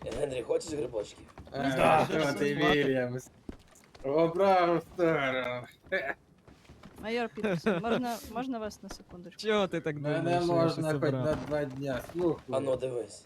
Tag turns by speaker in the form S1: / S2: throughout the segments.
S1: Генрі, хочеш грибочків?
S2: Да, ти Вільямс. Обрав сторону.
S3: Майор Пітерс, можна вас на секундочку?
S4: Чого ти так думаєш?
S2: Мене
S4: що я
S2: можна
S4: щось
S2: хоч
S4: обрав?
S2: на 2 дня, слухай.
S1: А ну дивись.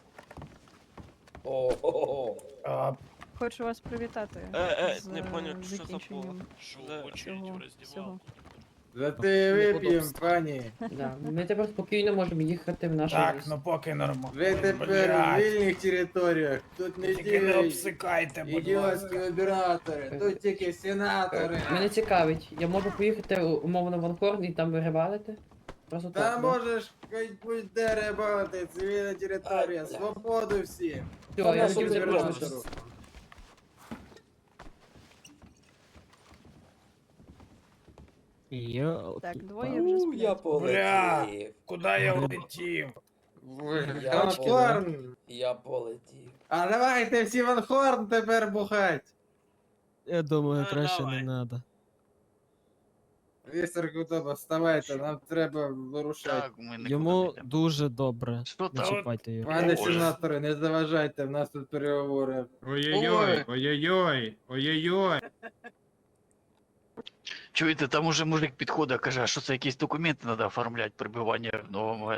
S1: О-о-о.
S3: Хочу вас привітати з
S5: не поняв, що за
S3: закінченням
S5: Що
S3: цього всього.
S2: За те вип'єм, пані.
S6: Да. Ми тепер спокійно можемо їхати в наше
S7: Так,
S6: місто.
S7: ну поки нормально.
S2: Ви тепер в вільних територіях. Тут не
S7: Тільки не
S2: діють
S7: обсикайте, будь
S2: ідіотські
S7: ласка.
S2: обіратори. Тут тільки сенатори.
S6: Мене цікавить, я можу поїхати умовно в Анхорн і там вирибалити? Просто
S2: Та
S6: так. да?
S2: можеш хоч будь-де рибалити, цивільна територія,
S1: Ай,
S2: свободу всім.
S6: Все,
S1: Та
S6: я
S1: нащо
S6: хотів
S1: ти
S6: запрошувати.
S1: робиш?
S4: Йо,
S3: Так, двоє вже сплять.
S1: Я полетів.
S7: Куди я улетів?
S1: Я
S2: Анхорн.
S1: Я полетів.
S2: А давайте всі в Анхорн тепер бухать.
S4: я думаю,
S5: Ну,
S4: краще
S5: давай.
S4: не надо.
S2: Містер Кутоба, вставайте, нам треба вирушати.
S8: Так, ми нікуди
S4: Йому
S8: не йдемо.
S4: дуже добре.
S8: Що
S4: Не
S8: там?
S4: чіпайте його.
S2: Пане
S8: Боже.
S2: сенатори, не заважайте, в нас тут переговори.
S8: Ой.
S2: ой-ой-ой, ой-ой-ой.
S8: Чуєте, там уже мужик підходить, каже, а що це якісь документи треба оформляти, прибування в новому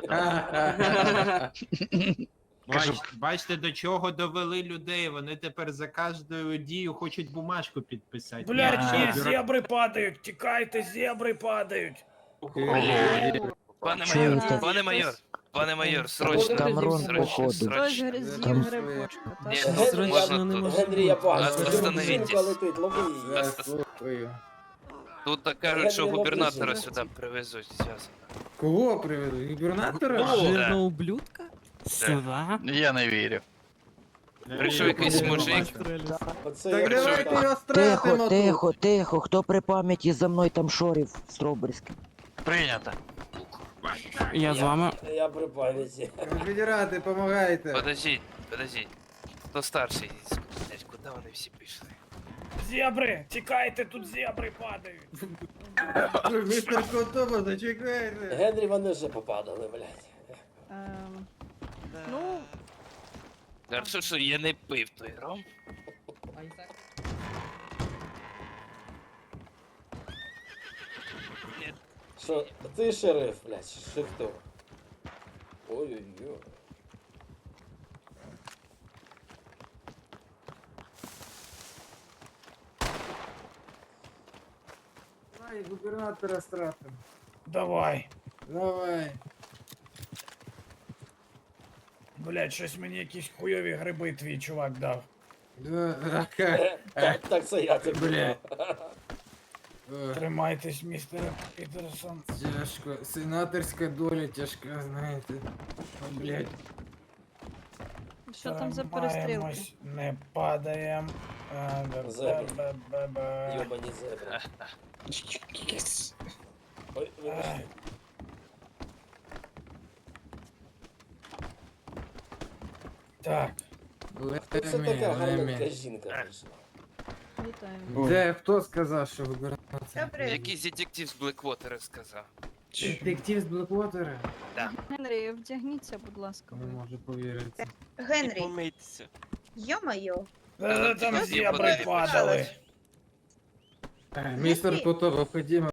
S8: Кажу,
S9: Бачите, до чого довели людей. Вони тепер за кожною дію хочуть бумажку підписати.
S7: Блядь, ні,
S9: Я-
S7: зебри падають, тікайте, зебри падають.
S5: Пане
S3: Чуєте?
S5: майор, пане майор, пане майор, срочно,
S6: Там
S5: срочно,
S3: Хтось
S5: срочно.
S3: гризів
S2: Там-
S3: грибочка,
S5: Ні,
S3: так?
S5: ну,
S1: Генрі,
S5: можна
S4: не
S5: тут.
S4: може
S1: Генрі, я
S4: бути.
S1: бачу.
S5: Остановітесь.
S1: Сумка летить, лови її.
S2: Я слухаю.
S5: Тут так кажуть, що
S1: Генрі,
S5: губернатора
S1: лови.
S5: сюди привезуть зараз.
S2: Кого приведу? Губернатора?
S5: Ну,
S4: Жирного ублюдка?
S8: Я не вірю.
S5: Прийшов якийсь мужик.
S1: Оце
S2: Так
S1: я
S2: давайте
S1: читав.
S2: його стратимо тут.
S10: тихо, хто при пам'яті за мною там шорів Строберським?
S8: Прийнято.
S1: Я при пам'яті.
S2: Конфедерати, помагайте.
S5: Подождіть, подождіть. Хто старший? Блядь, куди вони всі пішли?
S7: Зебри, тікайте, тут зебри падають.
S2: Містер Кутоба, зачекайте.
S1: Генрі, вони вже попадали, блядь.
S3: Ну,
S5: Хорошо, що я не пив той ром.
S1: Що, ти шериф, блядь, чи хто? Ой-ой-ой.
S2: Давай, губернатора стратимо.
S7: Давай.
S2: Давай.
S7: Блядь, щось мені якісь хуйові гриби твій чувак дав.
S1: Так це я тобі.
S2: Бля.
S7: Тримайтесь, містер Пітерсон.
S2: Тяжко. Сенаторська доля тяжка, знаєте. О, блядь.
S3: що там за перестрілки?
S7: Тримаємось, не падаєм.
S1: Зебри.
S7: Ба-ба-ба-ба.
S1: Йобані зебри. Ой, вибачте.
S7: Так,
S1: Тут все така гарненька жінка прийшла.
S3: Вітаю.
S2: Де, хто сказав, що губернатор?
S5: Якийсь детектив з Блеквотера сказав.
S2: Детектив з Блеквотера?
S3: Генрі, вдягніться, будь ласка,
S2: Не
S3: ви.
S2: можу повірити.
S11: Генрі,
S5: Помийтеся.
S11: йо-моє.
S7: там
S5: Всі
S7: зебри
S5: подивились.
S7: падали.
S2: Містер Кутоба, ходімо.